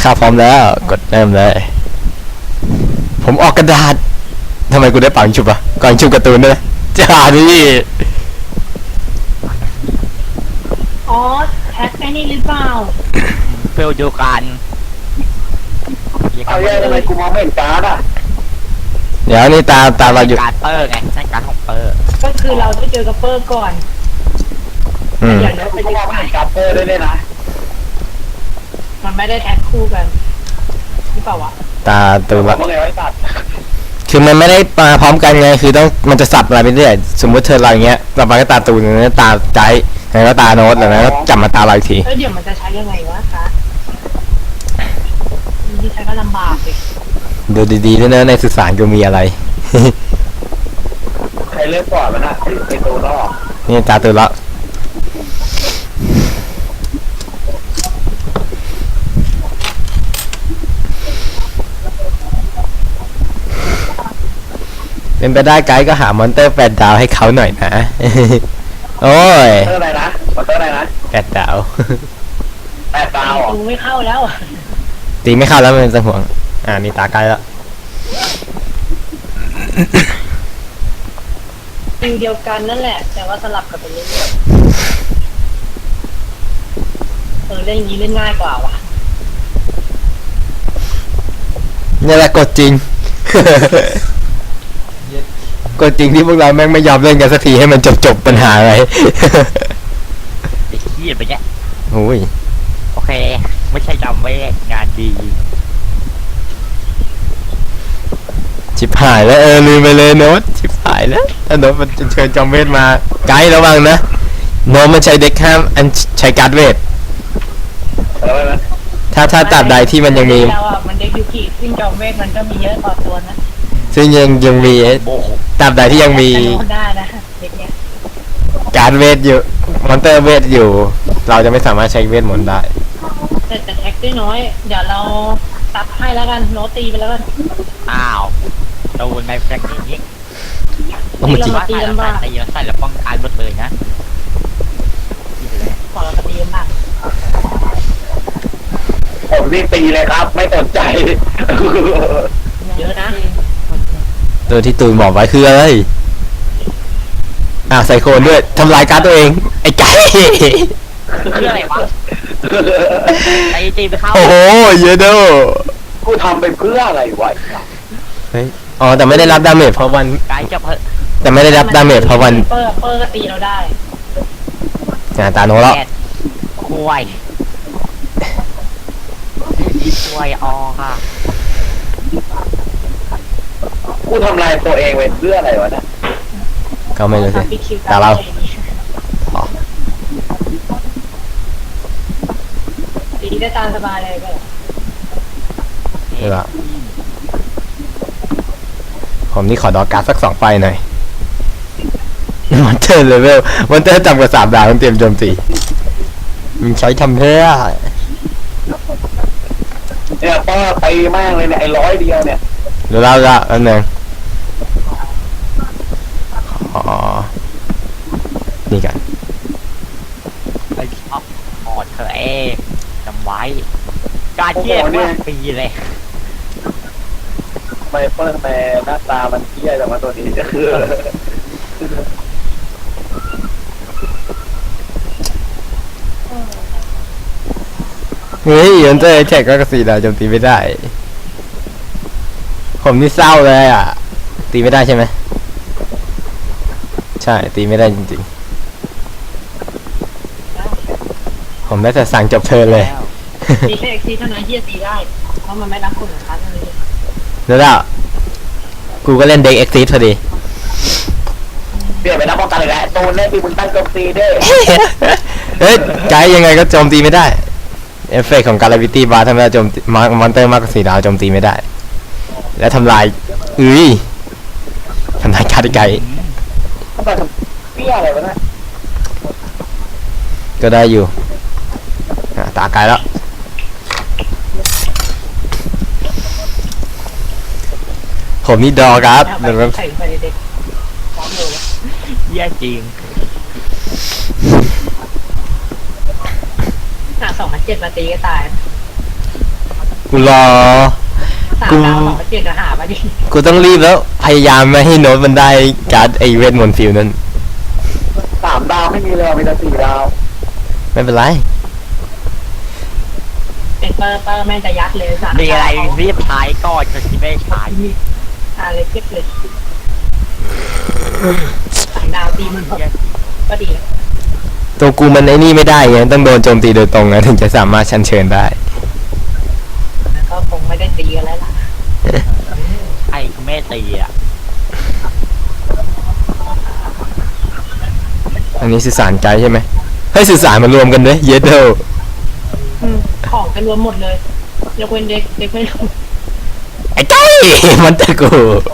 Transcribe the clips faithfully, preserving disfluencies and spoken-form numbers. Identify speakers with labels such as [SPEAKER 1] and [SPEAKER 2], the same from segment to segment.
[SPEAKER 1] ข้าพร้อมแล้วกดเริ่มเลยผมออกกระดาษทำไมกูได้ปังชุบอะก่อนชุบการ์ตูนด้วยจ้าดิ
[SPEAKER 2] อ๋อแท็กไอ้นี่หรือเปล่า
[SPEAKER 3] เฟลเดียวกัน
[SPEAKER 4] เอาแย่ทำไมกูมองไม่เห็นการ์ดอ่ะ
[SPEAKER 1] เดี๋ยวนี่ตาตาเราอยู่
[SPEAKER 3] การเปอร์ไงใช่การของเปอร์
[SPEAKER 2] ก็คือเราต้องเจอกับเปอร์ก่อน
[SPEAKER 1] อืม
[SPEAKER 2] อย่างนั้น
[SPEAKER 4] กู
[SPEAKER 2] เป็น
[SPEAKER 4] ก็มองไม่เห็นการ์ดเปอร์ด้วยเนี่ยนะ
[SPEAKER 2] มันไม่ได้แท็กคู่กันหรือเปล่าวะ
[SPEAKER 1] ตาตูน
[SPEAKER 4] บอ
[SPEAKER 1] ละ
[SPEAKER 4] กว่าไงไว้ตัด
[SPEAKER 1] คือมันไม่ได้มาพร้อมกันไงคือต้องมันจะสับอะไรไปเรื่อยสมมติเธอเราอย่างเงี้ยต่อไปก็ตาตูนอย่างเงี้ยตาใจแล้วก็ตาโน้ตแล้วก็จับมาตาเราอีกที
[SPEAKER 2] แล้วเดี๋ยวมันจะใช้ยังไงวะคะที่ใช้ก็ลำบากเลย
[SPEAKER 1] ดูดีๆด้วยนะในสื่อสารกูมีอะไร
[SPEAKER 4] ใครเลือกก่อนมันอ่ะไอตัวรอบ
[SPEAKER 1] นี่ตาตูนละเป็นไปได้ไกด์ก็หามอนเตอร์แปดดาวให้เขาหน่อยนะ โอ้ย
[SPEAKER 4] เตอร์อะไรนะมอเตอร์อะไรนะ
[SPEAKER 1] แปดดาว
[SPEAKER 4] แปดดาวเหรอ
[SPEAKER 2] ดูไม่เข้าแล้วอะ
[SPEAKER 1] ตีไม่เข้าแล้วมันจะห่วงอ่านี่ตาไกด์แล้ว
[SPEAKER 2] ฟิลเดียวกันนั่นแหละ แต่ว่าสลับกันไปเรื่อยๆเออเล่นอย่างนี้เล่นง่ายกว่าว่ะ
[SPEAKER 1] นี่แหละกดจริง กดจริงที่พวกเราแม่งไม่ยอมเล่นกันสักทีให้มันจบจบปัญหาอะไร
[SPEAKER 3] ไอ้ขี้ไปเนี่ย
[SPEAKER 1] โอ้ย
[SPEAKER 3] โอเค ไม่ใช่จำไว้งานดี
[SPEAKER 1] ชิบหายแล้วเออลืมไปเลยโน้ตชิบหายแล้วถ้าโน้ตมันจะเชิญจอมเวทมาไกด์ระวังนะโน้ตมันใช้เด็กห้ามอันใช้การ์ดเวท
[SPEAKER 4] เออไหม
[SPEAKER 1] ถ้าถ้าตับใดที่มันยังมี
[SPEAKER 2] แล้วอ่ะมันเด็กยูกิซึ่งจอมเวทมันก็มีเยอะต่อตัวนะ
[SPEAKER 1] ซึ่งยังยังมี
[SPEAKER 3] โอ้โห
[SPEAKER 1] ตับใดที่ยังมี
[SPEAKER 2] แต่โน้ตได้นะเด็กเนี้ย
[SPEAKER 1] การ์ดเวทอยู่มอนเตอร์เวทอยู่ เราจะไม่สามารถใช้เวทมนต์ได้
[SPEAKER 2] แต่แต่แท็กได้น้อย เดี๋ยวเราตัดให้แล้วกันโน้ตตีไปแล้วกัน
[SPEAKER 3] อ้าวโดนไปแบบนี้
[SPEAKER 1] โอ้มันจริง
[SPEAKER 3] ว่าใส่แล้วใส่ตีแล้วใส่แล้วป้องกันหมดเลยนะ
[SPEAKER 2] ขอเราตีกันบ้าง
[SPEAKER 4] ผมรีบตีเลยครับ ไม่สนใจ
[SPEAKER 2] เยอะนะ
[SPEAKER 1] ตัวที่ตูนบอกไว้คืออะไรอ่าวใส่โคนด้วยทำลายการ์ดตัวเองไอ้ไก่
[SPEAKER 3] คืออะไรวะไอ้ตีไปเข้า
[SPEAKER 1] โอ้โหเยอะโด
[SPEAKER 4] กูทำไปเพื่ออะไรวะ
[SPEAKER 1] เฮ้ยอ๋อแต่ไม่ได้รับดาเมจเพราะวัน
[SPEAKER 3] ไกด์จะเพิ่ม
[SPEAKER 1] แต่ไม่ได้รับดาเมจเพราะวัน
[SPEAKER 2] เปอร์เปอร์ก็ตีเราได้
[SPEAKER 1] อ่าตาโนแล้ว
[SPEAKER 3] แกดคุยคุยออค่ะ
[SPEAKER 4] กูทำลายตัวเองไปเพื่ออะไรวะเนี่ย
[SPEAKER 1] ก็ไม่รู้สิ
[SPEAKER 2] ปิดคิว
[SPEAKER 1] ตาเรา อ๋อ
[SPEAKER 2] ตีได้ตามสบายเลยก็
[SPEAKER 1] เออผมนี่ขอดอการ์ดสักสองไฟหน่อยมอนเตอร์เลเวลมอนเตอร์ต่ำกว่าสามดาวต้องเตรียมโจมตีมันใช้ทำเพื่อ
[SPEAKER 4] เนี่ยป้าตีแม่งเลยเนี่ยไอ้ร้อยเดียวเนี่ย
[SPEAKER 1] เดี๋ยวเราละอันหนึ่งอ๋อนี่กัน
[SPEAKER 3] ไอ้ชอบออดเธอเองจำไว้ การเที่ยวว่าปีเลย
[SPEAKER 4] ไมเปิลแมนหน้าตามันเที่ยแต่ว่าตัวนี้ก็คือ
[SPEAKER 1] เฮ้ยมอนเตอร์แท็กก็กระสีดาวโจมตีไม่ได้ ผมนี่เศร้าเลยอ่ะ ตีไม่ได้ใช่ไหมใช่ตีไม่ได้จริงๆ ผมได้แต่สั่งจบเทิร์นเลย
[SPEAKER 2] ตีแค่เอ็กซีเท่านั้นที่จะตีได้ เพราะมันไม่รับคนของคัสเลย
[SPEAKER 1] แล้วล่ะกูก็เล่นเด็กเอ็กซิสพอดี
[SPEAKER 4] เปลี่ยนไปรับป้องกันเลยแหละตูนเล่นปีมึงตั้งโจมตีด้วย
[SPEAKER 1] เฮ้ยไกด์ยังไงก็โจมตีไม่ได้ เอฟเฟกต์ของการาวิตี้บาร์ทำให้เราโจมตีมอนเตอร์มากกว่าสี่ดาวโจมตีไม่ได้ และทำลายอุ้ยทำลายการ์ดไกด์
[SPEAKER 4] ทำไมทำเปี้ยอะไรวะเนี่ย
[SPEAKER 1] ก็ได้อยู่อ่ะตาไกด์แล้ว ผมนี่ดอครับ
[SPEAKER 2] เอาไป
[SPEAKER 1] เดี๋ยวแป๊บ
[SPEAKER 2] ใส่ไปเด็กๆพร้อมเลย
[SPEAKER 3] แย่จริง
[SPEAKER 2] หาสองพันเจ็ดมาตีก็ตาย
[SPEAKER 1] กูรอ
[SPEAKER 2] สาม
[SPEAKER 1] กู
[SPEAKER 2] ดาวสองเจ็ดจะหามาดิ
[SPEAKER 1] กูต้องรีบแล้ว พยายามไม่ให้โน้ตมันได้การ์ดไอเวทมนต์ฟิลนั้น
[SPEAKER 4] สามดาวไม่มีเลยมีแต่สี่ดาว
[SPEAKER 1] ไม่เป็นไร
[SPEAKER 2] เป็นเปอร์เปอร์แม่งจะยัดเลยสาม
[SPEAKER 3] มีอะไรรีบใช้ก่อนจะที่ไม่ใช้
[SPEAKER 2] อะไรเก็บเลยสามดาวตีมันหกก็ดีแล้ว
[SPEAKER 1] ตัวกูมันไอ้นี่ไม่ได้ไงต้องโดนโจมตีโดยตรงนะถึงจะสามารถชันเชิญได้
[SPEAKER 2] แล้วก็คงไม่ได้ตีกันแล้วล่ะ
[SPEAKER 3] ไอ้กูไม่ตีอ่ะ
[SPEAKER 1] อันนี้สื่อสารไกลใช่ไหมให้สื่อสารมารวมกันด้วยเยดเดล
[SPEAKER 2] อืมของกันรวมหมดเลยยกเว้นเด็กเด็กไม่รู้
[SPEAKER 1] ไอ้ไก่มันตะกู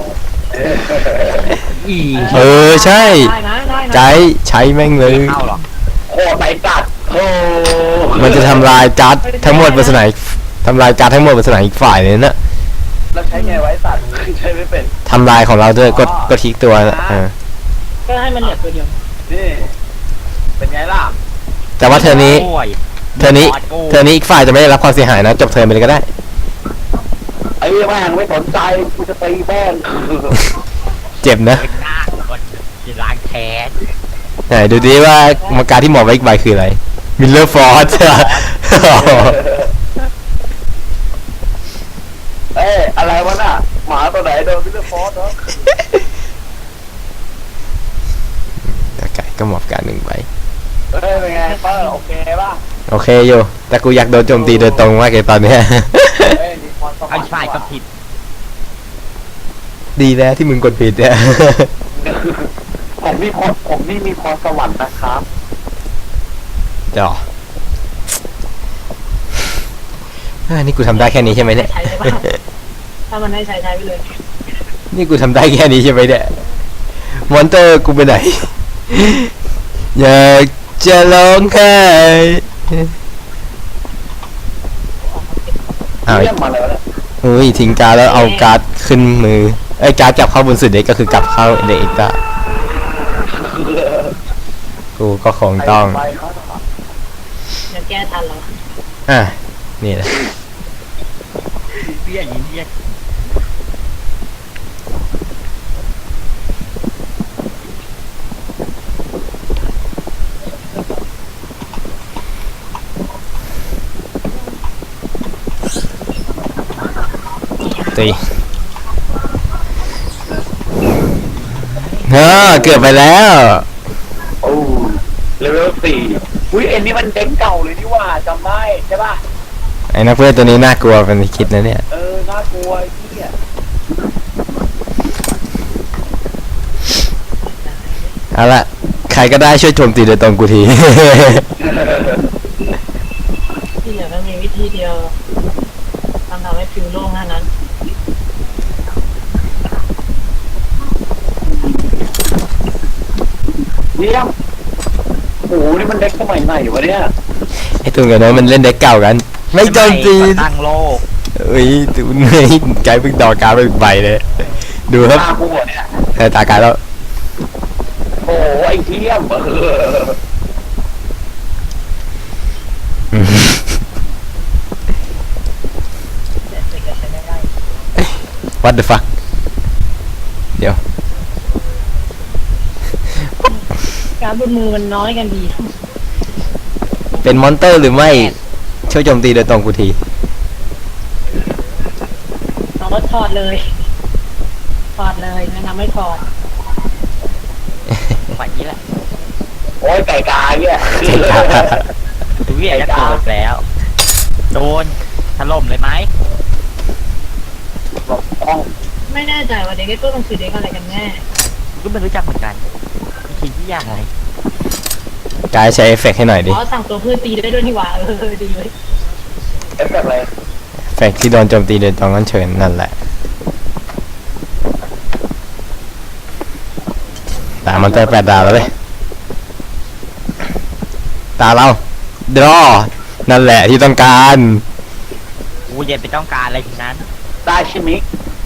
[SPEAKER 3] อี
[SPEAKER 1] เออใช่
[SPEAKER 2] ได้นะได้นะ
[SPEAKER 1] ไกด์ใช้แม่งเลย
[SPEAKER 3] เข้าหรอ
[SPEAKER 4] โคตรไปกัดโอ้
[SPEAKER 1] มันจะทำลายการ์ดทั้งหมดบนสนามทำลายการ์ดทั้งหมดบนสนามอีกฝ่ายเลยนะ
[SPEAKER 4] แล้วใช้ไงไว้สัตว์ใช้ไม่เป็น
[SPEAKER 1] ทำลายของเราด้วยกดกดคลิกตัวนะเออ
[SPEAKER 2] ก็ให้มันเหลือตัวเดียว
[SPEAKER 4] นี่เป็นไงล่ะ
[SPEAKER 1] แต่ว่าเธอนี้
[SPEAKER 3] โอ้ย
[SPEAKER 1] เธอนี้เธอนี้อีกฝ่ายจะไม่ได้รับความเสียหายนะจบเทิร์นไปเลยก็ได้
[SPEAKER 4] ไอ้แม่งไม่สนใจกูจะตีแม่ง
[SPEAKER 1] เจ็บนะ
[SPEAKER 3] เป็นหน้าคนจะล้างแค้น
[SPEAKER 1] ไหนดูดิว่ามาการดที่หมอไว้อีกใบคืออะไรมิลเลอร์ฟอร์ส
[SPEAKER 4] เอ้ยอะไรวะน่ะหมาตัวไหนโดนพิเศษฟอสเนาะ
[SPEAKER 1] ไก่ก็หมอบการหนึ่งใบ
[SPEAKER 4] เอ้ยเป็นไงเปอร์โอเคป่ะ
[SPEAKER 1] โอเคอยู่แต่กูอยากโดนโจมตีโดยตรงมากเลยตอนเนี้ย
[SPEAKER 4] เอ้ยมีพรสวร
[SPEAKER 3] ไอ้
[SPEAKER 4] รค์
[SPEAKER 3] ฝ่ายก็ผิด
[SPEAKER 1] ดีแล้วที่มึงกดผิดเนี่ย
[SPEAKER 4] ผมนี่พรผมนี่มีพรสวรรค์นะครับ
[SPEAKER 1] เดี๋ยวอ่านี่กูทำได้แค่นี้ใช่ไหมเนี่ย
[SPEAKER 2] ใช้ได้ป่ะถ้ามันให้ใช้ใช้ไปเลย
[SPEAKER 1] นี่กูทำได้แค่นี้ใช่ไหมเนี่ยมอนเตอร์กูไปไหน อยากจะร้องไห้อ้าว
[SPEAKER 4] เยี่ยมมาเลยนะ
[SPEAKER 1] เฮ้ยทิ้งการ์ดแล้วเอาการ์ดขึ้นมือไอ้ยการ์ดกลับเข้าบนสุดเด็กก็คือกลับเข้าเด็กอีกละกูก็คงต้อง
[SPEAKER 4] ไปครับ
[SPEAKER 2] จะแก้ทันแล้ว
[SPEAKER 1] อ่ะนี่แหละ
[SPEAKER 3] เบี้ยยิงเบี้ย
[SPEAKER 1] ตีเออเกือบไปแล้ว
[SPEAKER 4] โอ้เลเวลสี่อุ้ยเอ็นนี่มันเด็กเก่าเลยนี่ว่าจำได้ใช่ป่ะ
[SPEAKER 1] ไอ้นักเพื่อนตัวนี้น่ากลัวเป็นที่คิดนะเนี่ย
[SPEAKER 4] เออน่ากลัวไอ้เหี้ย
[SPEAKER 1] เอาละใครก็ได้ช่วยโจมตีโดยตรงกูที
[SPEAKER 2] ที่เหลือก็มีวิธีเดียวทำทำให้ฟิวโล่งเท่านั้น
[SPEAKER 4] เยี่ยมโอ้โหนี่มันเด็กสมัยไหนวะเนี่ย
[SPEAKER 1] ไอ้ตัวกับน้อยมันเล่นเด็กเก่ากัน ไม่โจมตี
[SPEAKER 3] ตั้งโลก
[SPEAKER 1] เอ้ยดูนี่ใจเพิ่งดอกการไปอีกใบเลย ดูครับ
[SPEAKER 4] ตากูเนี่ย
[SPEAKER 1] เออตากายแล้ว
[SPEAKER 4] โอ้โหไอ้เทียมเออ
[SPEAKER 1] อืม
[SPEAKER 2] แต่เด็กก็ใช้ไม่ได้
[SPEAKER 1] what the fuck เดี๋ยว
[SPEAKER 2] การบนมือมันน้อยกันดี
[SPEAKER 1] เป็นมอนเตอร์หรือไม่ช่วยโจมตีโดยตรงกูที
[SPEAKER 2] น้องก็ถอดเลยถอดเลยแนะนำไม่ถอด
[SPEAKER 3] ฝ่ายนี้แหละ
[SPEAKER 4] โอ้ยไก่กาเนี่ย
[SPEAKER 3] ดูเบี้ยจะโกรธแล้ว โดนถล่มเลยไหม
[SPEAKER 4] บอกต้อง
[SPEAKER 2] ไม่แน่ใจว่าเด็กก็ต้องคือเด็กอะไรกันแน่
[SPEAKER 3] ก็ไม่รู้จักเหมือนกันคิดที่ยากอะไร
[SPEAKER 1] กายใช้เอฟเฟกต์ให้หน่อยดิ
[SPEAKER 2] อ๋อสั่งตัวเพื่อนตีได้ด้วยนี่หว่าเออดีเลย
[SPEAKER 4] เอฟแบบอะไร
[SPEAKER 1] เอฟเฟกต์ที่โดนโจมตีโดยตรงนั้นเชิญนั่นแหละตามมอนเตอร์แปดดาวแล้วเลยตาเราดรอนั่นแหละที่ต้องการ
[SPEAKER 3] กูเย็นไปต้องการอะไรทีนั้น
[SPEAKER 4] ได้ใช่ไหม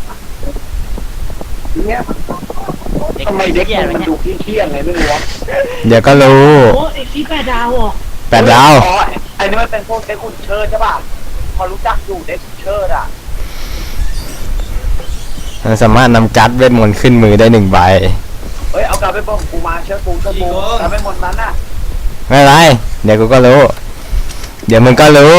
[SPEAKER 4] เนี่ยทำไมเด็กมันมันดูเที่ยงๆไงไม่รู้วะ
[SPEAKER 1] เดี๋ยวก็รู้
[SPEAKER 2] โอ้ไอ้ที่แปดดาวเหรอ
[SPEAKER 1] แปดดาว
[SPEAKER 4] อ๋อไอ้นี่มันเป็นพวกเด็กคุณเชิญใช่ป่ะพอรู้จักอยู่เด็กเชิดอ่ะ
[SPEAKER 1] มันสามารถนำการ์ดเวทมนต์ขึ้นมือได้หนึ่งใบ
[SPEAKER 4] เฮ้ยเอากลับไปบอกกูมาเชื่อกูเชื่อกูกลับไปหมดนั้นน่ะ
[SPEAKER 1] ไม่เป็นไรเดี๋ยวกูก็รู้ เดี๋ยวมึงก็รู้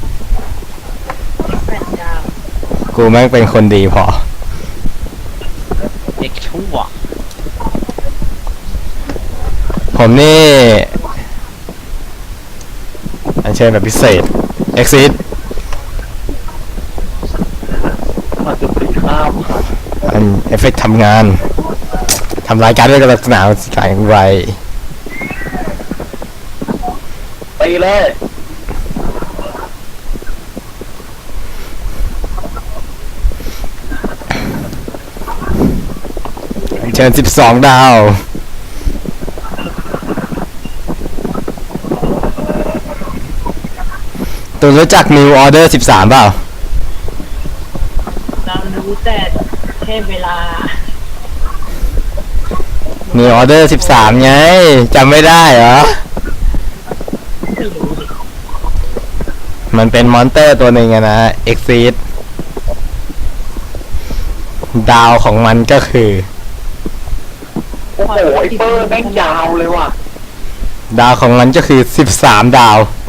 [SPEAKER 2] แปดดาว
[SPEAKER 1] กูแม่งเป็นคนดีพอ
[SPEAKER 3] เด็กชั่ว
[SPEAKER 1] ผมนี่อันเชิญแบบพิเศษ Exit
[SPEAKER 4] มาจุดตีข้าม
[SPEAKER 1] อันเอฟเฟกต์ทำงานทำรายการด้วยลักษณะสกายไว
[SPEAKER 4] ตีเลย
[SPEAKER 1] อันเชิญสิบสองดาว ตัวรู้จัก New Order สิบสามเปล่า
[SPEAKER 2] เรารู้แต่แค่เวลา
[SPEAKER 1] New Order สิบสามไงจำไม่ได้เหรอ
[SPEAKER 2] ไม่รู้ดิ
[SPEAKER 1] มันเป็นมอนเตอร์ตัวหนึ่งอะนะ Exit ดาวของมันก็คือ
[SPEAKER 4] โอ้โหไอ้เปอร์แม่งยาวเลยว่ะ
[SPEAKER 1] ดาวของมันก็คือสิบสามดาว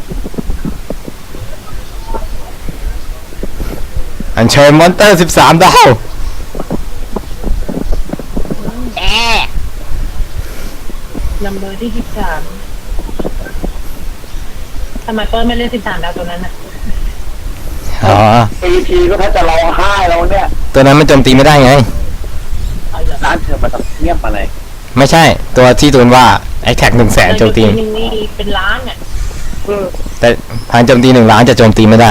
[SPEAKER 1] อันเชิญมอนเตอร์สิบสามดาว
[SPEAKER 3] แอ
[SPEAKER 2] ลำเบอร์ที่สิบสามทำไมเปิ้ลไม่เล่นสิบสามดาวตัวนั้นน่ะ
[SPEAKER 1] อ๋อ
[SPEAKER 4] ปีทีก็แทบจะร้องไห้แล้วเนี่ย
[SPEAKER 1] ตัวนั้นมันโจมตีไม่ได้ไง
[SPEAKER 2] เอาเหรอ
[SPEAKER 4] ร้านเธอมาทำเงียบอะไร
[SPEAKER 1] ไม่ใช่ ตัวที่ตูนว่าไอ้แท็กหนึ่งแสนโจมตี
[SPEAKER 2] หนึ่งนี่เป็นล้านเนี่ย
[SPEAKER 4] เออ
[SPEAKER 1] แต่ทางโจมตีหนึ่งล้านจะโจมตีไม่ได้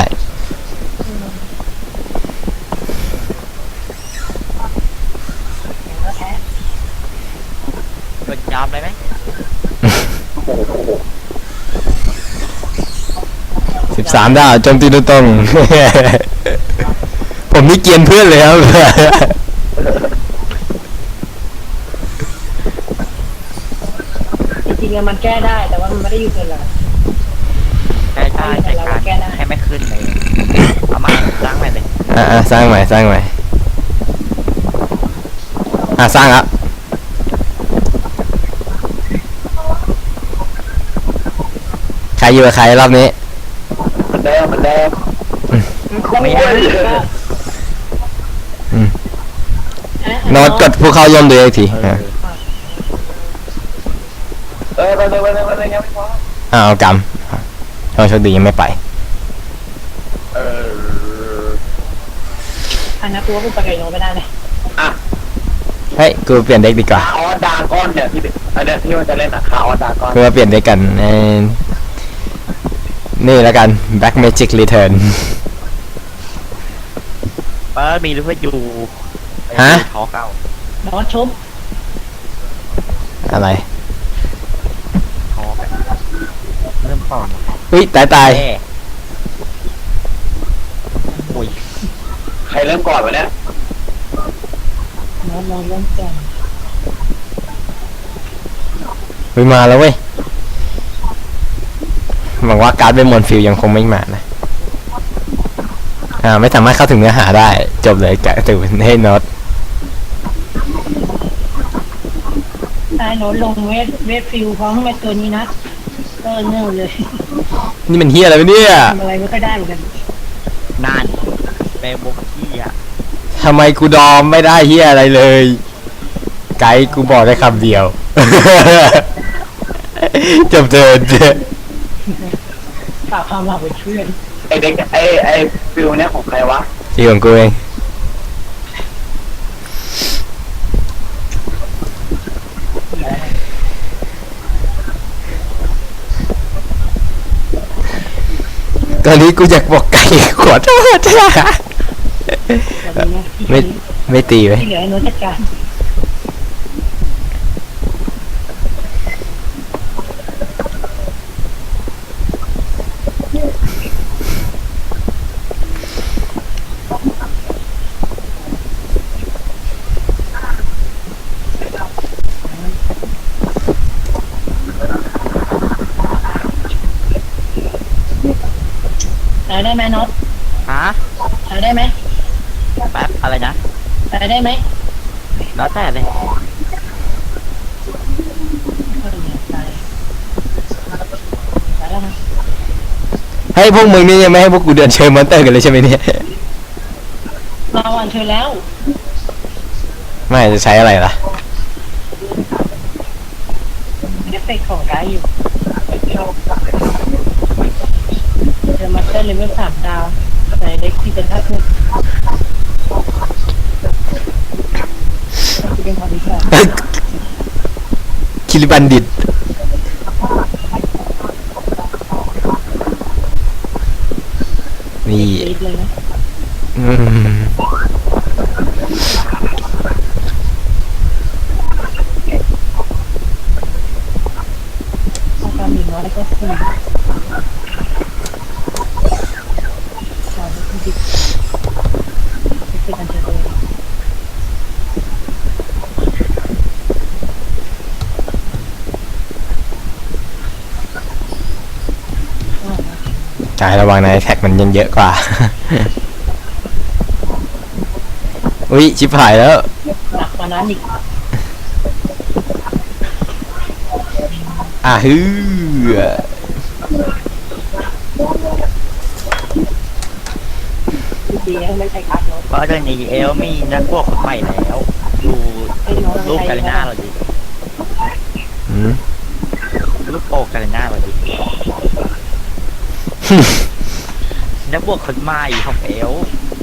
[SPEAKER 2] อย่างก็แท้
[SPEAKER 3] โดนยอมเลยไหม
[SPEAKER 4] โอ้โห
[SPEAKER 1] สิบสามดาวโจมตีโดยตรง ผมนี่เกรียนเพื่อนเลยครับ
[SPEAKER 2] จริงๆอะมันแก้ได้แต่ว่ามันไม่ได้อยู่เกินหรอก
[SPEAKER 3] ใช่ใช่ใช่การให้ไม่ขึ้นเลยเอามาล้างใหม่เลย
[SPEAKER 1] อ่ะสร้างใหม่สร้างใหม่อ่ะสร้างแล้วใครอยู่กับใครรอบนี้
[SPEAKER 4] มันแดงมันแดง
[SPEAKER 3] ไม่ได้
[SPEAKER 1] โน้ตกดผู้เข้าย่อมดูอีกที
[SPEAKER 3] เออ
[SPEAKER 4] เออไปเลยไปเลยไปเลยยังไม่พอ
[SPEAKER 1] อ้าวกรรมโชคโชคดียังไม่ไป
[SPEAKER 4] เออ
[SPEAKER 2] อันนั้นกูว่ากูไปไกลโนไม่ได้เลย
[SPEAKER 4] อ่ะ
[SPEAKER 1] เฮ้ยกูเปลี่ยนเด็กดีกว่า
[SPEAKER 4] คาออสดากอนเนี่ยที่อันเนี้ยที่มันจะเล่นอะคาออสดากอน
[SPEAKER 1] คือมาเปลี่ยนเด็กกันเอ่อนี่แล้วกัน Black Magic Return
[SPEAKER 3] เปิดมีหรือเพื่ออยู่
[SPEAKER 1] ฮะ
[SPEAKER 3] ขอเก่า
[SPEAKER 2] โน้ตชุบ
[SPEAKER 1] อะไร
[SPEAKER 3] ขอกันเริ่มก่อน
[SPEAKER 1] อุ้ยตายตาย
[SPEAKER 3] เอ้อุ้ย
[SPEAKER 4] ใครเริ่มก่อนวะเนี่ย
[SPEAKER 2] โน้ตโน้ตเริ่มแก่
[SPEAKER 1] อุ้ยมาแล้วเว้ยหวังว่าการ์ดเวมอนฟิลยังคงไม่มานะอ่าไม่สามารถเข้าถึงเนื้อหาได้ จบเลยแกะตื่นให้โน็อต
[SPEAKER 2] ไอ้โน้ตลงเวทเวทฟิลพร้อมกับตัวนี้นะเออเง่าเลย
[SPEAKER 1] นี่มันเฮียอะไรวะเนี่ย
[SPEAKER 2] ทำอะไรไม่ค่อยได้เหมือนกัน
[SPEAKER 3] นานเป็นบุกที่อ่ะ
[SPEAKER 1] ทำไมกูดอมไม่ได้เฮียอะไรเลย ไกด์กูบอกได้คำเดียว จบเทิน
[SPEAKER 2] ฝากความหวังไว้เพื่อน
[SPEAKER 4] ไอเด็กไอไอฟิลเนี่ยของใครวะ
[SPEAKER 1] ที่ของกูเองตอนนี้กูอยากบอกไก่ขวดโทษจ้า
[SPEAKER 2] แบบนี้นะ
[SPEAKER 1] ไม่ไม่ตีไว้
[SPEAKER 2] ที่เหลือให้โน้ตจัดการ ได้ได้ไหมโน็อต
[SPEAKER 3] ฮะ
[SPEAKER 2] ใช้ได้ไหม
[SPEAKER 3] แป๊บอะไรนะ
[SPEAKER 2] ใช้ได้ไหม
[SPEAKER 3] แล้วแต่เลย
[SPEAKER 2] ก็ดีใช้ใช้แล้วนะ
[SPEAKER 1] เฮ้ยพวกมึงนี่ยังไม่ให้พวกกูเดินเชิญมอนเตอร์กันเลยใช่ไหมเนี่ย
[SPEAKER 2] เราอ่านเธอแล้ว
[SPEAKER 1] ไม่จะใช้อะไรล่ะ
[SPEAKER 2] เอฟเฟกต์ของได้อยู่เดอะมาสเตอร์เลเวลสามดาวใส่เด็กที่เป็นทัศน์ที่เป็นความดีค่ะ
[SPEAKER 1] คิริบันดิตนี่
[SPEAKER 2] ติดเลยนะ
[SPEAKER 1] อืม
[SPEAKER 2] เอาความหมีน้อยแล้วก็สี่สาวที่ดิบที่เป็นอันเจริญ
[SPEAKER 1] กายระวังนะแท็กมันยังเยอะกว่า อุ้ยชิบหายแล้ว
[SPEAKER 2] หนักกว่านั้นอีก
[SPEAKER 1] อ่ะฮือ
[SPEAKER 2] ดีไม่ใช่คัดเนาะ
[SPEAKER 3] เพราะเรื่องนี้เอลมีนักพวกคนใหม่แล้วดูรูปกาลิน่าเราดิ
[SPEAKER 1] อืม
[SPEAKER 3] รูปโปกาลิน่าเราดินักบวกคนใหม่ของเอล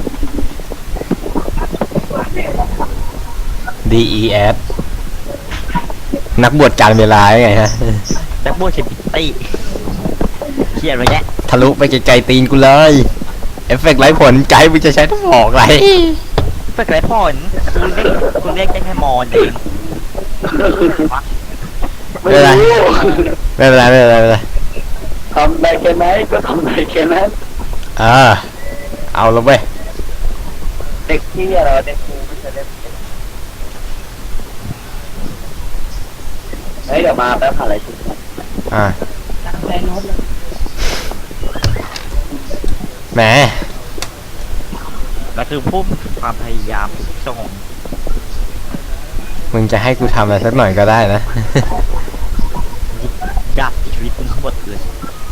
[SPEAKER 1] ดี อี เอส นักบวชการเวลาไงฮะ
[SPEAKER 3] นักบวกเชปิตี้เขียนไว้แยะ
[SPEAKER 1] ทะลุไปไกลๆตีนกูเลย เอฟเฟกต์ไร้ผลไกด์มึงจะใช้ต้องบอกอะไร
[SPEAKER 3] เพื่อไรพ่อนคุณเรียกคุณเรียกได้แค่มอนเอง
[SPEAKER 4] ไม่รู้
[SPEAKER 1] ไม่เป็นไรไม่เป็นไรไม่เป็นไร
[SPEAKER 4] ทำได้แค่ไหนก็ทำได้แค่นั้น
[SPEAKER 1] อ่าเอาแล้วเว้ย
[SPEAKER 4] เด็กที่อะไรเด็กครูไม่ใช่เด็กเฮ้ยเดี๋ยวมาแป๊บหาอะไรกินก่อน
[SPEAKER 1] อ่า
[SPEAKER 2] ตามใจโน้ตเลย
[SPEAKER 1] แหม
[SPEAKER 3] แล้วคือพุ่มความพยายามทุกช่อง
[SPEAKER 1] มึงจะให้กูทำอะไรสักหน่อยก็ได้นะ
[SPEAKER 3] ยับชีวิตมึงทั้งหมดเลย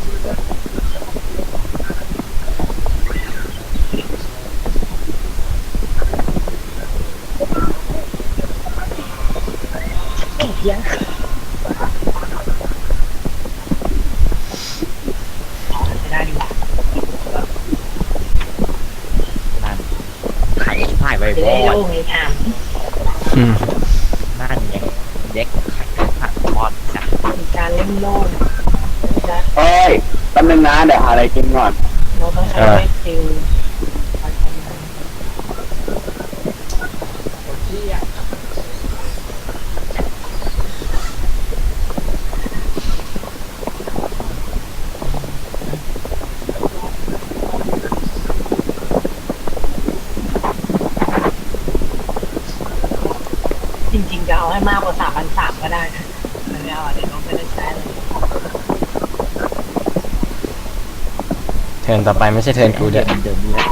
[SPEAKER 2] เพี้ยนได้ดีกว่า
[SPEAKER 3] นั่นไข่ผ่ายไว
[SPEAKER 2] จะ
[SPEAKER 3] บอ
[SPEAKER 2] ได้
[SPEAKER 3] ล
[SPEAKER 2] โล่งเลยถาม
[SPEAKER 1] อืม
[SPEAKER 3] นั่นไงเด็กไข่ผ่ายบอลนะ
[SPEAKER 2] มีการเล่นโล่งจะ
[SPEAKER 4] เฮ้ยแป๊บนึงนะเดี๋ยวหาอะไรกินก่อน
[SPEAKER 2] โน้ตต้องใช้เวทฟิล จริงๆจะเอาให้มากกว่าสามพันสามก็ได้นะไม่เอาเดี๋ยวน้องไม่ได้ใช้เลย
[SPEAKER 1] เทิร์นต่อไปไม่ใช่เทิร์นกูเด้อ
[SPEAKER 3] เดิมนี้แล้ว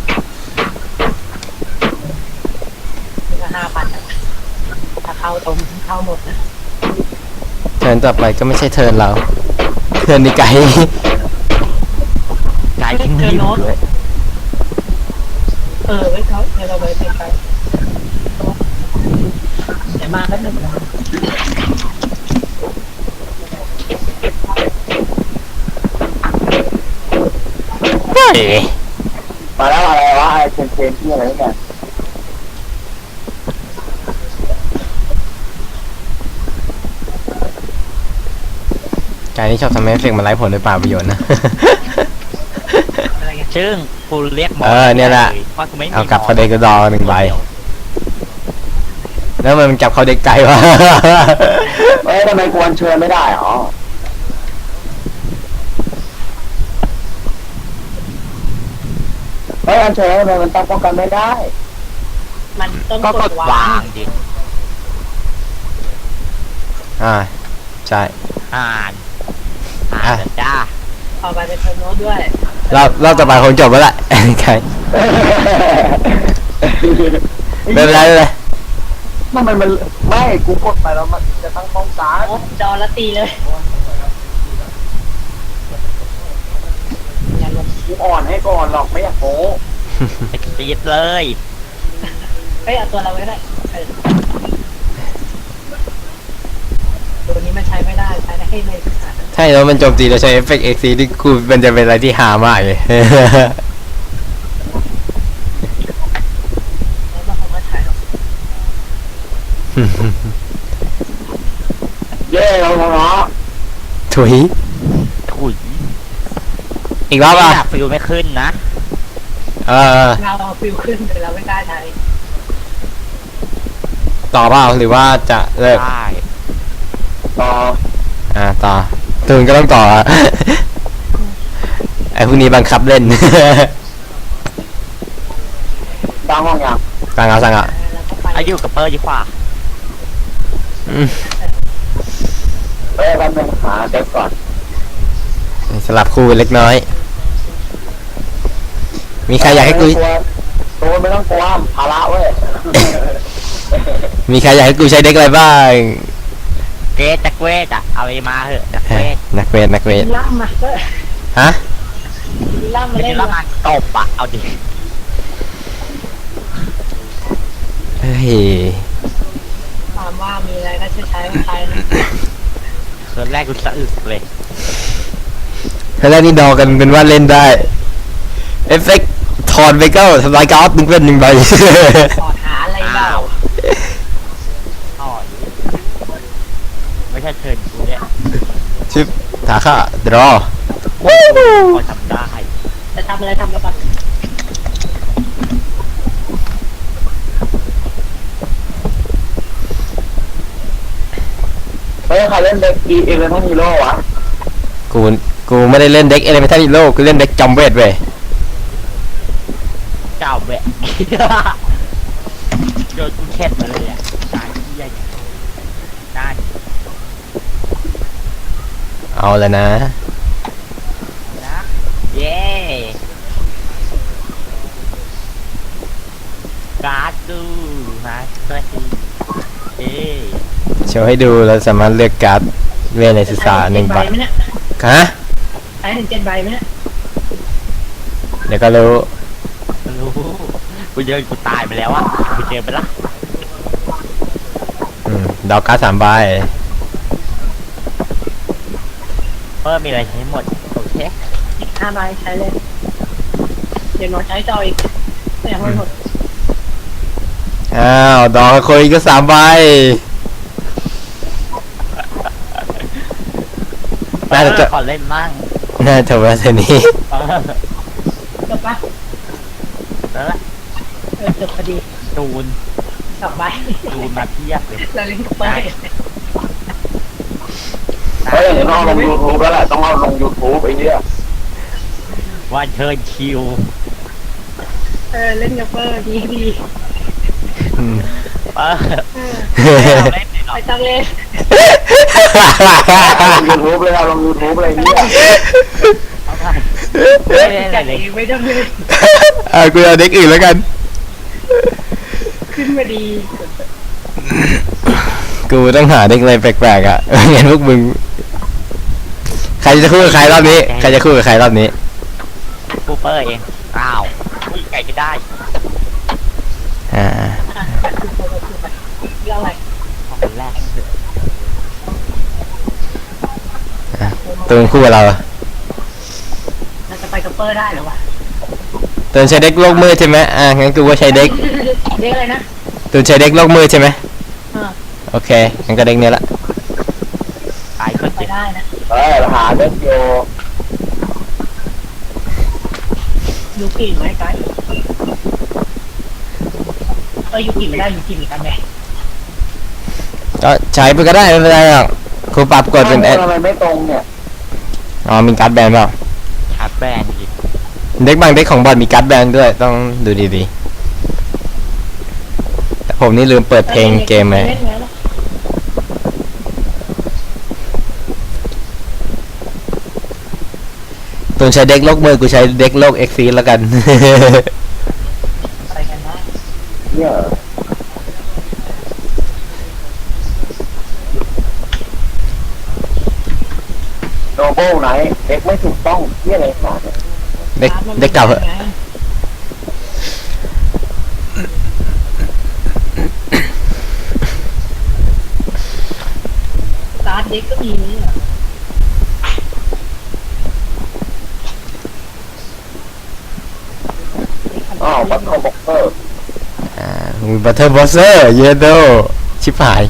[SPEAKER 2] นี่ก็ห้าพันถ้าเข้าตรงเข้าหมดนะ
[SPEAKER 1] เทิร์นต่อไปก็ไม่ใช่เทิร์นเรา เทิร์นนี่ไกด์
[SPEAKER 3] กายทิ้งที่อยู่ด้วย
[SPEAKER 2] เออไว้เขาเดี๋ยวเราไว้ไปไปเดี๋ยวมาแป๊บนึง
[SPEAKER 1] เฮ้ย
[SPEAKER 4] มาแล้วอะไรวะไอ้เชนเชนที่อะไรนี่กัน
[SPEAKER 1] กายนี่ชอบทำให้เอฟเฟกต์มันไร้ผลโดยเปล่าประโยชน์นะ
[SPEAKER 2] อะไรกัน
[SPEAKER 3] ซึ่งกูเรียกมอน
[SPEAKER 1] เออเนี่ยแหละ
[SPEAKER 3] เพราะกูไม่มี
[SPEAKER 1] เอากลับเขาเด็กกระดอหนึ่งใบ แล้วมันจับเขาเด็กไก่วะ
[SPEAKER 4] เอ้ยทำไมกวนเชิญไม่ได้หรอเฮ้ยอันเชิญทำไมมันตั้งป้องกันไม่ได้
[SPEAKER 2] มันต้อง
[SPEAKER 3] ก็
[SPEAKER 2] ก
[SPEAKER 3] ก
[SPEAKER 2] ด
[SPEAKER 3] ด
[SPEAKER 2] วาว
[SPEAKER 3] าง งดิ
[SPEAKER 1] อ่า ใช่
[SPEAKER 3] อ่านอ่านจ้า
[SPEAKER 2] เอาไปเป็นเทอร์โน้ตด้วย
[SPEAKER 1] เราเราต่อไปคงจบแล้วแหละ ใครไม่เป็นไรไม่เป็นไร
[SPEAKER 4] ทำไมมันไม่กูกดไปแล้วมันจะตั้งป้องกัน
[SPEAKER 2] โอ้จอละตีเลยอย่าลง
[SPEAKER 4] กูอ่อนให้ก่อนหรอกไม่อยากโม้
[SPEAKER 3] ไอ้ตีดเลย
[SPEAKER 2] เฮ้ยเอาตัวเราไว้ก็ได้เออตัวนี้มันใช้ไม่ได้ใช้ได้แค่ในสถาน
[SPEAKER 1] ใช่แล้วมันโจมตีเราใช้เอฟเฟกต์เอ็กซีที่กูมันจะเป็นอะไรที่หามากเลย
[SPEAKER 2] แล้วมันคงไม่ใช้หรอก
[SPEAKER 4] เย่เราเนาะ
[SPEAKER 1] ถุย
[SPEAKER 3] ถุย
[SPEAKER 1] อีกรอบอ่ะ
[SPEAKER 3] ฟิวไม่ขึ้นนะ
[SPEAKER 1] เออ
[SPEAKER 2] เราเอาฟิวขึ้นแต่เราไม่กล้าใช้
[SPEAKER 1] ต่อเปล่าหรือว่าจะเลิก
[SPEAKER 3] ได้
[SPEAKER 4] ต่อ
[SPEAKER 1] อ่าต่อตูนก็ต้องต่ออ่ะ ไอ้พวกนี้บังคับเล่น
[SPEAKER 4] ตั้งห้องยัง
[SPEAKER 1] สั่งเอาสั่งเอา
[SPEAKER 2] แล้วก็ไป
[SPEAKER 3] อายุกับเปอร์ดีกว่า
[SPEAKER 1] อืม
[SPEAKER 4] เฮ้ยแป๊บนึงหาเด็กก่อน
[SPEAKER 1] สลับคู่กันเล็กน้อย มีใครอยากให้กู
[SPEAKER 4] ตัวไม่ต้องกลัวภาระเว้ย
[SPEAKER 1] มีใครอยากให้กูใช้เด็กอะไรบ้าง
[SPEAKER 3] เกตจักเวทอะเอาไปมาเถอะจักเวท
[SPEAKER 1] นักเวทนักเวท
[SPEAKER 2] ล่ำมาก็
[SPEAKER 1] ฮะ
[SPEAKER 2] ล่ำมา
[SPEAKER 3] ไม่
[SPEAKER 2] เล่
[SPEAKER 3] ได้
[SPEAKER 2] น
[SPEAKER 3] รับงานตบอะเอาดิ
[SPEAKER 1] เฮ้ย
[SPEAKER 2] ถามว่ามีอะไรก็จะใช้ไม่ใช้นะ
[SPEAKER 3] เคิร์นแรกกูสะอึกเลย
[SPEAKER 1] แล้วแรกนี่ดอกันเป็นว่าเล่นได้ เอฟเฟกต์ถอนไปก็ทำลายการ์ดหนึ่งเป็นหนึ่งใบ
[SPEAKER 2] ขอหาอะไรเปล่า
[SPEAKER 3] อ๋อไม่ใช่เชิญกูเนี่ย
[SPEAKER 1] ชิปถาค่าดรอ
[SPEAKER 3] พอทำได้
[SPEAKER 2] จะทำอะไรทำแล้วก่อน
[SPEAKER 4] เฮ้ยใครเล่นเด็กอีเอเลนฮีโร่วะ
[SPEAKER 1] กูกูไม่ได้เล่นเด็กเอเลเมนทัลฮีโร่กูเล่นเด็กจอมเวทเว้ย
[SPEAKER 3] เจ้าแบะ โดนกูเข็ดมาเลยอ่ะตายที่ใหญ่ได้
[SPEAKER 1] เอาแล้วนะ
[SPEAKER 3] นะเย้การ์ดดูมาสเตอร์ฮีเอ้
[SPEAKER 1] โชว์ให้ดูเราสามารถเลือกการ์ดเวทในศึกษาหนึ่งใบ
[SPEAKER 2] ไหมเนี่ย
[SPEAKER 1] ฮะ
[SPEAKER 2] ใช้ถึงเจ็ดใบไหมเนี่ย
[SPEAKER 1] เดี๋ยวก็รู้
[SPEAKER 3] รู้กูเจอกูตายไปแล้วอ่ะกูเจอไปละ
[SPEAKER 1] อืมดอกการ์ดสามใบ
[SPEAKER 3] เพิ่มมีอะไรใช้หมดโอเค
[SPEAKER 2] อีกห้าใบใช้เลยเดี๋ยวหนูใช้จออีกยังไม่หมด
[SPEAKER 1] อ้าวดอกคุยก็สามใบ น่าจะ
[SPEAKER 3] เออขอเล่นมั่ง
[SPEAKER 1] น่าจะว่าเท่านี้
[SPEAKER 3] เออ
[SPEAKER 2] จบปะ
[SPEAKER 3] แล้วล่ะ
[SPEAKER 2] เออจบพอดี
[SPEAKER 3] จูน
[SPEAKER 2] สองใบ
[SPEAKER 3] จูนมาเทียบเลย
[SPEAKER 2] เราเล่นกับเป้ย
[SPEAKER 4] เฮ้ยเดี๋ยวต้องเอาลงยูทูบแล้วแหละต้องเอาลงยูทูบไอ้เหี้ย
[SPEAKER 3] วันเชิญคิว
[SPEAKER 2] เออเล่นกับเป้ยดีดี
[SPEAKER 1] อืม
[SPEAKER 3] เออ
[SPEAKER 2] เออ
[SPEAKER 3] เราเล่นเลยเหรอ
[SPEAKER 2] ไม่ต้องเล่น
[SPEAKER 4] ยูทูบเลยเอาลงยูทูบอะไรเนี่ย
[SPEAKER 3] เอาไปไม่เล่นอะไร
[SPEAKER 2] จัด
[SPEAKER 3] เล
[SPEAKER 2] เอย งไม่ต้องเล่น
[SPEAKER 1] อ่ากูเอาเด็กอื่นแล้วกัน
[SPEAKER 2] ขึ้นมาดี
[SPEAKER 1] กูต้องหาเด็กอะไรแปลกๆอ่ะ งั้นพวกมึง ใครจะคู่กับใครรอบนี้ ใครจะคู่กับใครรอบนี้
[SPEAKER 3] กูเปอร์เองอ้าวอุ้ยไก่ไม่ได้
[SPEAKER 1] อ่า
[SPEAKER 2] อ่ะคือไปคือไปเรื่องอะไร
[SPEAKER 3] เอาคนแรกเถอะ
[SPEAKER 1] ตูนคู่กับเรา
[SPEAKER 2] เราจะไปกับเป้ยได้หรอวะ
[SPEAKER 1] ตูนใช้เด็กโลกมืดใช่ไหมอ่างั้นกูว่าใช้เด็ก
[SPEAKER 2] เด็กอะไรนะ
[SPEAKER 1] ตูนใช้เด็กโลกมืดใช่ไหม
[SPEAKER 2] เออ
[SPEAKER 1] โอเคงั้นก็เด็กเนี้ยละ
[SPEAKER 3] ตายคน
[SPEAKER 2] ไป
[SPEAKER 3] เจ็บ
[SPEAKER 2] ได้นะ
[SPEAKER 4] เฮ้ยหาเด็กโย
[SPEAKER 2] ยูกิไหมไกด์เออยูกิไม่ได้ยูกิมีกันไหม
[SPEAKER 1] ก็ใช้ไปก็ได้ไม่เป็นไรหรอกครูปรับกดเป็นเอ
[SPEAKER 4] ทำไมไม่ตรงเนี่ย
[SPEAKER 1] อ๋อมีการ์ดแบนเปล่า
[SPEAKER 3] ชาร์จแบนอีก
[SPEAKER 1] เด็กบางเด็กของบอลมีการ์ดแบนด้วยต้องดูดีๆแต่ผมนี่ลืมเปิดเพลงเกมไป
[SPEAKER 2] เล่นไงล่ะ
[SPEAKER 1] ตูนใช้เด็กโลกมือกูใช้เด็กโลกเอ็กซีแล้วกัน
[SPEAKER 2] อะไรกันนะ
[SPEAKER 4] เนี่ยโนโบไหนเด็กไม่ถูกต้องเยี่ยอะไรขนาดเนี่ย
[SPEAKER 1] เด็กเด็กเก่าเหอะ
[SPEAKER 2] สตาร์ทเด็กก็มีนี่เหรอ
[SPEAKER 4] อ้าวบัตคอมบ็อกเกอร์
[SPEAKER 1] อ่ามีบัตเทอร์บอสเซอร์เยโดชิบหาย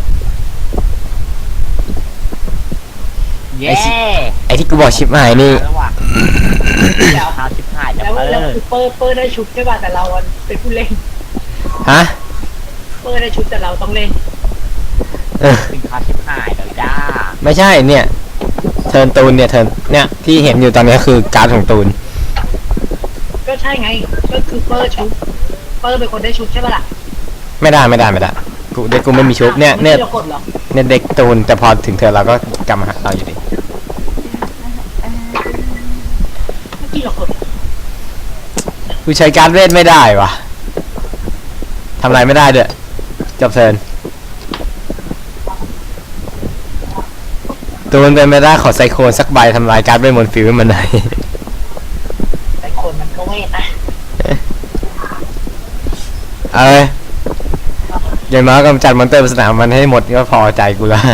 [SPEAKER 3] เย้
[SPEAKER 1] ไอที่กูบอกชิบหายนี่
[SPEAKER 3] แล้วว่ะแล้วหาสิบห้าจะ
[SPEAKER 2] แล้ว
[SPEAKER 3] เอ
[SPEAKER 2] แล้ว
[SPEAKER 3] อ
[SPEAKER 2] คือเปอร์เปอร์ได้ชุดใช่ป่ะแต่เราอะเป็นผู้เล่น
[SPEAKER 1] ฮะ
[SPEAKER 2] เปอร์ได้ชุดแต่เราต้องเล่น
[SPEAKER 1] เออ
[SPEAKER 3] ถึงหาสิบห้าเดี๋ยวจ้า
[SPEAKER 1] ไม่ใช่เนี่ยเทิร์นตูนเนี่ยเทิร์นเนี่ยที่เห็นอยู่ตอนนี้คือการ์ดของตูน
[SPEAKER 2] ก็ใช่ไงก็คือเปอร์ชุดเปอร์เป็นคนได้ชุดใช่ป่ะล่ะ
[SPEAKER 1] ไม่ได้ไม่ได้ไม่ได้กูเด็กกูไม่มีชุบเนี่ยเนี่ย
[SPEAKER 2] ไม่ได้กดหรอ
[SPEAKER 1] เนี่ยเด็กตูนแต่พอถึงเธอเราก็กลับมาหาเราอยู่ดี
[SPEAKER 2] เมื่อกี้เรากด
[SPEAKER 1] กูใช้การ์ดเวทไม่ได้วะทำอะไรไม่ได้เด้อจบเทิร์นตูนเป็นไม่ได้ขอไซโคนสักใบทำลายการ์ดเวทมนต์ฟิวให้มันหน่อย
[SPEAKER 2] แต่คนมันก็เวทนะ
[SPEAKER 1] เอ้ยอย่างน้อยกำจัดมอนเตอร์บนสนามมันให้หมดก็พอใจกูแล้ว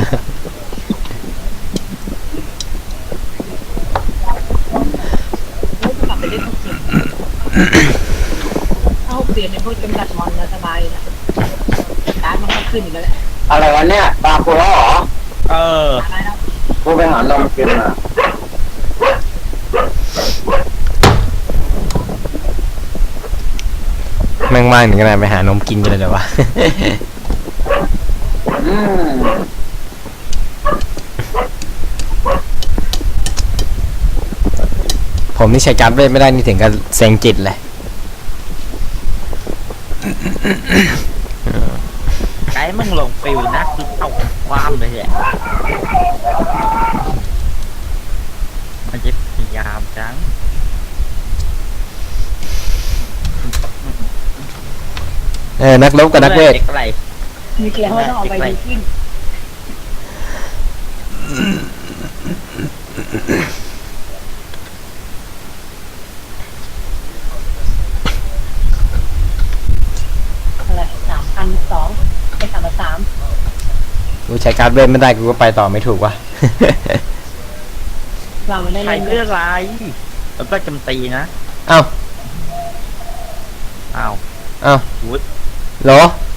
[SPEAKER 2] กลับไปเล่นทุกเกมถ้าหกเดือนเนี่ยพวกจำกัดมอนแล้วสบายเลยนะการ์ดมันก็ขึ้นอยู่แล้วแหละ
[SPEAKER 4] อะไรวะเนี่ยตากูแล้วเหรอ
[SPEAKER 3] เออ
[SPEAKER 2] อะไรนะ
[SPEAKER 4] กูไปหานมกินมา
[SPEAKER 1] แม่งมากถึงขนาดไปหานมกินกันเลยเหรอวะ
[SPEAKER 4] อืม
[SPEAKER 1] ผมนี่ใช้การ์ดเวทไม่ได้นี่ถึงกับเซ็งจิตเลย
[SPEAKER 3] ไกด์มึงลงฟิวนะคือเอาความเลยแหละมันจะพยายามจัง
[SPEAKER 1] เออนักรบกับนักเวท
[SPEAKER 3] ด็อะไร
[SPEAKER 2] มีเกลียวว่าต้องเอาไปดูขึ้นอะไรสามพันสองไปสามพันสาม
[SPEAKER 1] กูใช้การ์ดเวทไม่ได้กูก็ไปต่อไม่ถูกวะ
[SPEAKER 2] เราไม่ได้
[SPEAKER 3] ใคร
[SPEAKER 2] เล่น
[SPEAKER 3] เรื่องอะไรแล้วก็จำตีนะ
[SPEAKER 1] เอ้า
[SPEAKER 3] อ้าว
[SPEAKER 1] เอ้า
[SPEAKER 3] วุฒ
[SPEAKER 1] โหล